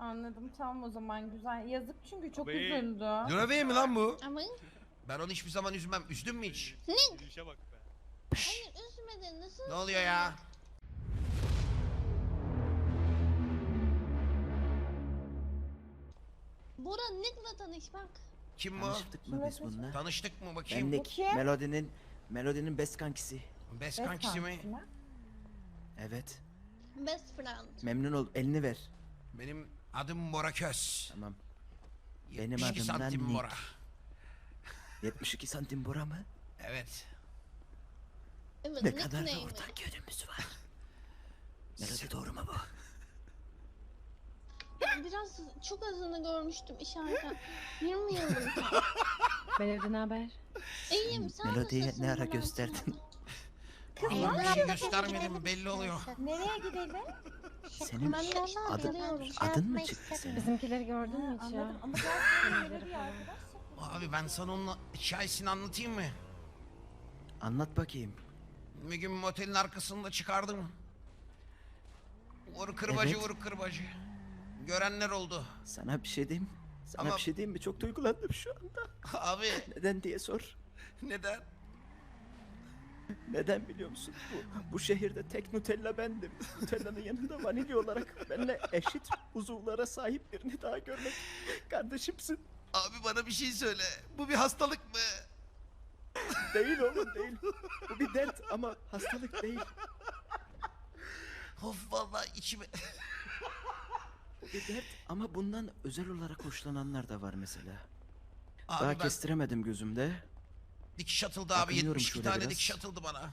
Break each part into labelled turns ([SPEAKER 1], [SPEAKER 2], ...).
[SPEAKER 1] Anladım, tamam o zaman, güzel. Yazık çünkü çok
[SPEAKER 2] Abi.
[SPEAKER 1] üzüldü.
[SPEAKER 3] Löve mi lan bu?
[SPEAKER 4] Ama
[SPEAKER 3] Ben onu hiçbir zaman üzmem. Üzdün mü hiç?
[SPEAKER 2] Yürüyüşe bak be.
[SPEAKER 4] hayır üzmedin. Nasıl
[SPEAKER 3] Ne oluyor ya?
[SPEAKER 4] Bora Nick'la tanış bak.
[SPEAKER 3] Kim bu?
[SPEAKER 5] Tanıştık mı biz bununla?
[SPEAKER 3] Tanıştık mı
[SPEAKER 5] Ben
[SPEAKER 3] bakayım?
[SPEAKER 5] Nick,
[SPEAKER 1] kim?
[SPEAKER 5] Melodinin best kankisi.
[SPEAKER 3] Best
[SPEAKER 1] Best
[SPEAKER 3] kankisi mi?
[SPEAKER 1] kankisi mi?
[SPEAKER 5] Evet.
[SPEAKER 4] Best friend.
[SPEAKER 5] Memnun ol. Elini ver.
[SPEAKER 3] Benim adım Bora Köz.
[SPEAKER 5] Tamam. Benim
[SPEAKER 3] 72
[SPEAKER 5] adım da
[SPEAKER 3] santim
[SPEAKER 5] Nick.
[SPEAKER 3] Bora.
[SPEAKER 5] 72 santim Bora mı?
[SPEAKER 3] Evet.
[SPEAKER 4] Evet,
[SPEAKER 5] Ne kadar da
[SPEAKER 4] nickname'i.
[SPEAKER 5] ortak yönümüz var. Melodi doğru mu bu?
[SPEAKER 4] Biraz çok azını görmüştüm işaretten. Bilmiyordum.
[SPEAKER 6] Melodi ne haber?
[SPEAKER 4] İyiyim sen
[SPEAKER 5] Melodiye
[SPEAKER 4] nasılsın?
[SPEAKER 5] ne ara
[SPEAKER 4] Bora?
[SPEAKER 5] gösterdin?
[SPEAKER 3] Vallahi bir şey göstermedim belli oluyor.
[SPEAKER 1] Nereye gidelim?
[SPEAKER 5] Senin
[SPEAKER 4] Ben de
[SPEAKER 5] adın,
[SPEAKER 4] geliyorum.
[SPEAKER 5] adın mı çıktı senin?
[SPEAKER 6] Bizimkileri gördün mü hiç ya?
[SPEAKER 1] Anladım ama gerçekten bir arkadaş.
[SPEAKER 3] Abi ben sana onun hikayesini anlatayım mı?
[SPEAKER 5] Anlat bakayım.
[SPEAKER 3] Bir gün motelin arkasında çıkardım. Vur kırbacı
[SPEAKER 5] Evet.
[SPEAKER 3] vur kırbacı. Görenler oldu.
[SPEAKER 5] Sana bir şey diyeyim. Sana
[SPEAKER 3] Ama-
[SPEAKER 5] bir şey diyeyim mi? Çok duygulandım şu anda.
[SPEAKER 3] Abi
[SPEAKER 5] Neden diye sor.
[SPEAKER 3] neden?
[SPEAKER 5] Neden biliyor musun? Bu şehirde tek Nutella bendim. Nutella'nın yanında vanilya olarak benimle eşit uzuvlara sahip birini daha görmek kardeşimsin.
[SPEAKER 3] Abi bana bir şey söyle. Bu bir hastalık mı?
[SPEAKER 5] Değil oğlum değil. Bu bir dert ama hastalık değil.
[SPEAKER 3] Of vallahi içime...
[SPEAKER 5] Bu bir dert ama bundan özel olarak hoşlananlar da var mesela.
[SPEAKER 3] Abi
[SPEAKER 5] Daha
[SPEAKER 3] ben
[SPEAKER 5] kestiremedim gözümde.
[SPEAKER 3] dikiş atıldı abi.
[SPEAKER 5] Bakınıyorum
[SPEAKER 3] 72
[SPEAKER 5] şöyle
[SPEAKER 3] tane
[SPEAKER 5] biraz.
[SPEAKER 3] dikiş atıldı bana.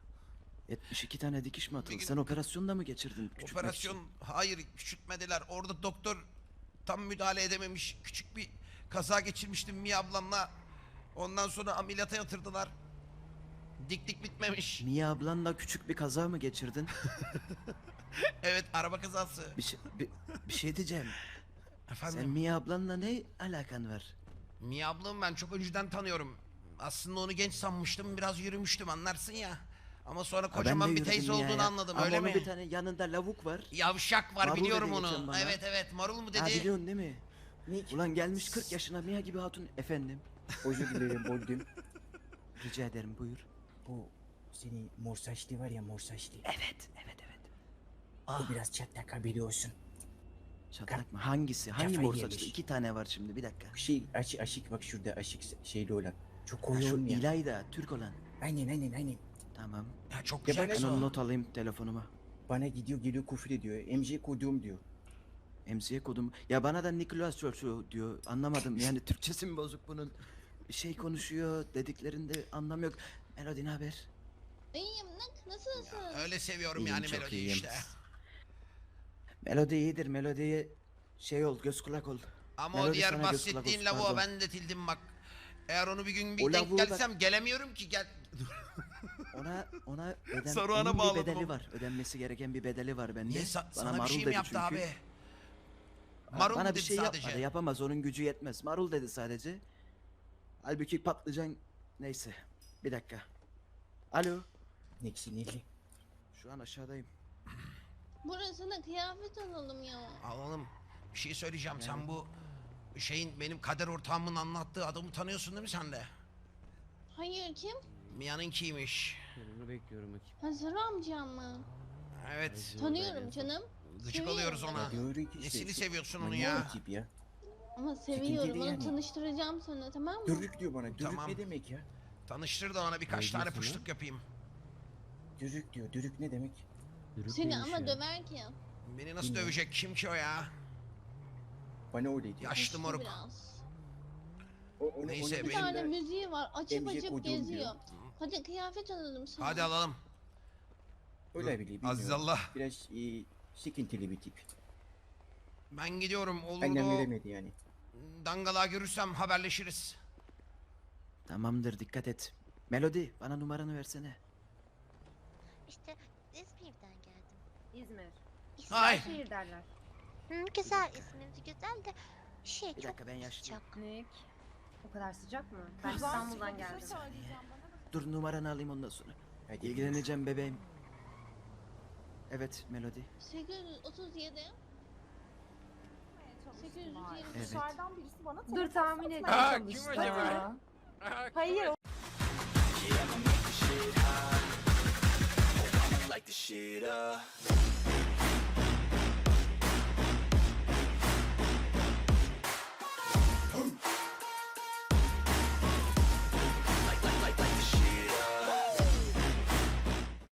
[SPEAKER 5] 72 tane dikiş mi atıldı?
[SPEAKER 3] Bir gün-
[SPEAKER 5] Sen operasyon da mı geçirdin? Küçültmek
[SPEAKER 3] Operasyon
[SPEAKER 5] için?
[SPEAKER 3] hayır küçültmediler. Orada doktor tam müdahale edememiş. Küçük bir kaza geçirmiştim Mia ablamla. Ondan sonra ameliyata yatırdılar. Diklik bitmemiş.
[SPEAKER 5] Mia ablanla küçük bir kaza mı geçirdin?
[SPEAKER 3] Evet araba kazası.
[SPEAKER 5] Bir şey diyeceğim.
[SPEAKER 3] Efendim?
[SPEAKER 5] Sen Mia ablanla ne alakan var?
[SPEAKER 3] Mia ablamı ben çok önceden tanıyorum. Aslında onu genç sanmıştım. Biraz yürümüştüm anlarsın ya. Ama sonra
[SPEAKER 5] Ha, ben
[SPEAKER 3] kocaman
[SPEAKER 5] de
[SPEAKER 3] bir
[SPEAKER 5] yürüdüm
[SPEAKER 3] teyze
[SPEAKER 5] Mia'ya.
[SPEAKER 3] olduğunu anladım
[SPEAKER 5] Ama
[SPEAKER 3] öyle
[SPEAKER 5] onun
[SPEAKER 3] mi?
[SPEAKER 5] bir tane yanında lavuk var.
[SPEAKER 3] Yavşak var
[SPEAKER 5] Marul
[SPEAKER 3] biliyorum
[SPEAKER 5] dedi geçen
[SPEAKER 3] onu.
[SPEAKER 5] bana.
[SPEAKER 3] Evet evet marul mu dedi?
[SPEAKER 5] Ha biliyorsun değil mi? Ulan gelmiş 40 yaşına Mia gibi hatun. Efendim?
[SPEAKER 7] Özür dilerim böldüm.
[SPEAKER 5] Rica ederim buyur.
[SPEAKER 7] Bu senin mor saçlı var ya mor saçlı.
[SPEAKER 5] Evet.
[SPEAKER 7] O biraz çatlak biliyorsun.
[SPEAKER 5] Çatlak mı? Hangisi? Hangi
[SPEAKER 7] Kafayı
[SPEAKER 5] mor saçlı?
[SPEAKER 7] yemiş.
[SPEAKER 5] 2 tane var şimdi bir dakika.
[SPEAKER 7] Şey aşık bak şurada aşık şeyli olan. Çok
[SPEAKER 5] Ha,
[SPEAKER 7] koyu
[SPEAKER 5] şu
[SPEAKER 7] olmayan.
[SPEAKER 5] İlayda Türk olan.
[SPEAKER 7] Aynen.
[SPEAKER 5] Tamam.
[SPEAKER 3] Ya çok
[SPEAKER 7] Ya
[SPEAKER 3] güzel
[SPEAKER 7] ben
[SPEAKER 3] kız
[SPEAKER 5] Ben
[SPEAKER 3] o.
[SPEAKER 5] onu not alayım telefonuma.
[SPEAKER 7] Bana gidiyor geliyor küfür ediyor. MC koduğum diyor.
[SPEAKER 5] MC'ye kodum. Ya bana da Nicholas Churchill diyor. Anlamadım. Yani Türkçesi mi bozuk bunun? Bir şey konuşuyor. Dediklerinde anlam yok. Melody ne haber?
[SPEAKER 4] İyiyim Nick nasılsın?
[SPEAKER 3] Öyle seviyorum
[SPEAKER 5] İyiyim,
[SPEAKER 3] yani
[SPEAKER 5] çok
[SPEAKER 3] melodiyi
[SPEAKER 5] iyiyim.
[SPEAKER 3] işte.
[SPEAKER 5] Melody iyidir. Melody'ye şey ol, göz kulak ol.
[SPEAKER 3] Ama o
[SPEAKER 5] Melody
[SPEAKER 3] diğer
[SPEAKER 5] sana göz kulak
[SPEAKER 3] bahsettiğin
[SPEAKER 5] olsun,
[SPEAKER 3] lavuğa
[SPEAKER 5] pardon.
[SPEAKER 3] ben de tildim bak. Eğer onu bir gün bir
[SPEAKER 5] O
[SPEAKER 3] denk
[SPEAKER 5] lavuğu bak-
[SPEAKER 3] gelsem gelemiyorum ki gel.
[SPEAKER 5] Ona
[SPEAKER 3] Saruhan'a
[SPEAKER 5] onun bir
[SPEAKER 3] bağladım
[SPEAKER 5] bedeli
[SPEAKER 3] onu.
[SPEAKER 5] var. Ödenmesi gereken bir bedeli var bende.
[SPEAKER 3] Niye
[SPEAKER 5] Bana
[SPEAKER 3] sana bir
[SPEAKER 5] marul
[SPEAKER 3] şey mi
[SPEAKER 5] dedi
[SPEAKER 3] yaptı
[SPEAKER 5] çünkü.
[SPEAKER 3] abi?
[SPEAKER 5] Ha,
[SPEAKER 3] Marul
[SPEAKER 5] bana
[SPEAKER 3] mu
[SPEAKER 5] bir
[SPEAKER 3] dedi
[SPEAKER 5] şey
[SPEAKER 3] sadece?
[SPEAKER 5] yapmadı. Yapamaz. Onun gücü yetmez. Marul dedi sadece. Halbuki patlıcan neyse. Bir dakika. Alo.
[SPEAKER 7] Ne sinirli.
[SPEAKER 5] Şu an aşağıdayım.
[SPEAKER 4] Burasına kıyafet alalım ya.
[SPEAKER 3] Alalım. Bir şey söyleyeceğim. Sen bu şeyin benim kader ortağımın anlattığı adamı tanıyorsun değil mi sen de?
[SPEAKER 4] Hayır kim?
[SPEAKER 3] Mia'nınkiymiş.
[SPEAKER 2] Bunu bekliyorum bakayım.
[SPEAKER 4] Hazır amcam mı?
[SPEAKER 3] Evet.
[SPEAKER 4] Tanıyorum canım.
[SPEAKER 3] Gıcık
[SPEAKER 4] Seviyorum
[SPEAKER 3] oluyoruz
[SPEAKER 4] ben.
[SPEAKER 3] ona.
[SPEAKER 7] Diyor ki
[SPEAKER 3] Nesini seviyorsun onu
[SPEAKER 7] manyak
[SPEAKER 3] ya?
[SPEAKER 7] bir tip ya.
[SPEAKER 4] Ama seviyorum
[SPEAKER 7] değil
[SPEAKER 4] onu
[SPEAKER 7] yani.
[SPEAKER 4] tanıştıracağım sana tamam mı?
[SPEAKER 7] Dürük diyor bana. Dürük
[SPEAKER 3] Tamam.
[SPEAKER 7] ne demek ya?
[SPEAKER 3] Tanıştır da ona birkaç
[SPEAKER 2] Ne
[SPEAKER 3] tane
[SPEAKER 2] diyorsun
[SPEAKER 3] puşluk yapayım.
[SPEAKER 7] Dürük diyor. Dürük ne demek?
[SPEAKER 2] Yürük
[SPEAKER 4] Seni
[SPEAKER 2] neymiş
[SPEAKER 4] ama
[SPEAKER 2] ya?
[SPEAKER 4] döver ki.
[SPEAKER 3] Beni nasıl
[SPEAKER 7] Bilmiyorum.
[SPEAKER 3] dövecek? Kim ki o ya?
[SPEAKER 7] Bana öyle diyor.
[SPEAKER 3] Yaşlı
[SPEAKER 4] Yaşlı
[SPEAKER 3] moruk.
[SPEAKER 4] biraz.
[SPEAKER 3] Neyse,
[SPEAKER 4] Bir
[SPEAKER 3] benim
[SPEAKER 4] tane
[SPEAKER 3] de-
[SPEAKER 4] müziği var açıp
[SPEAKER 7] Emce
[SPEAKER 4] açıp
[SPEAKER 7] koyduğum
[SPEAKER 4] geziyor.
[SPEAKER 7] diyor.
[SPEAKER 4] Hadi kıyafet alalım sana.
[SPEAKER 3] Hadi alalım.
[SPEAKER 7] Öyle bile bilmiyorum.
[SPEAKER 3] Azizallah.
[SPEAKER 7] Biraz sıkıntılı bir tip.
[SPEAKER 3] Ben gidiyorum. Olur
[SPEAKER 7] Annem
[SPEAKER 3] mu?
[SPEAKER 7] veremedi yani.
[SPEAKER 3] Dangalığa görürsem haberleşiriz.
[SPEAKER 5] Tamamdır dikkat et. Melody bana numaranı versene.
[SPEAKER 8] İşte İzmir'den geldim.
[SPEAKER 6] İzmir.
[SPEAKER 3] Ay.
[SPEAKER 6] Şehir derler.
[SPEAKER 8] Hı, güzel isminiz güzel de şey
[SPEAKER 5] Bir
[SPEAKER 8] çok
[SPEAKER 5] dakika ben yaşlıyım.
[SPEAKER 8] sıcak.
[SPEAKER 6] Nick. O kadar sıcak mı? Ben
[SPEAKER 1] Kızlar,
[SPEAKER 6] İstanbul'dan
[SPEAKER 1] bir şey
[SPEAKER 6] geldim.
[SPEAKER 1] söyleyeceğim bana.
[SPEAKER 5] Dur numaranı alayım ondan sonra.
[SPEAKER 7] Hadi.
[SPEAKER 5] İlgileneceğim bebeğim. Evet Melody.
[SPEAKER 4] 837 820.
[SPEAKER 5] Evet.
[SPEAKER 1] Dışarıdan birisi bana
[SPEAKER 6] Dur,
[SPEAKER 1] telefon
[SPEAKER 6] tahmin
[SPEAKER 1] satmaya
[SPEAKER 6] edeyim.
[SPEAKER 1] çalıştı.
[SPEAKER 2] Kim acaba?
[SPEAKER 1] Hayır.
[SPEAKER 9] like the shit up.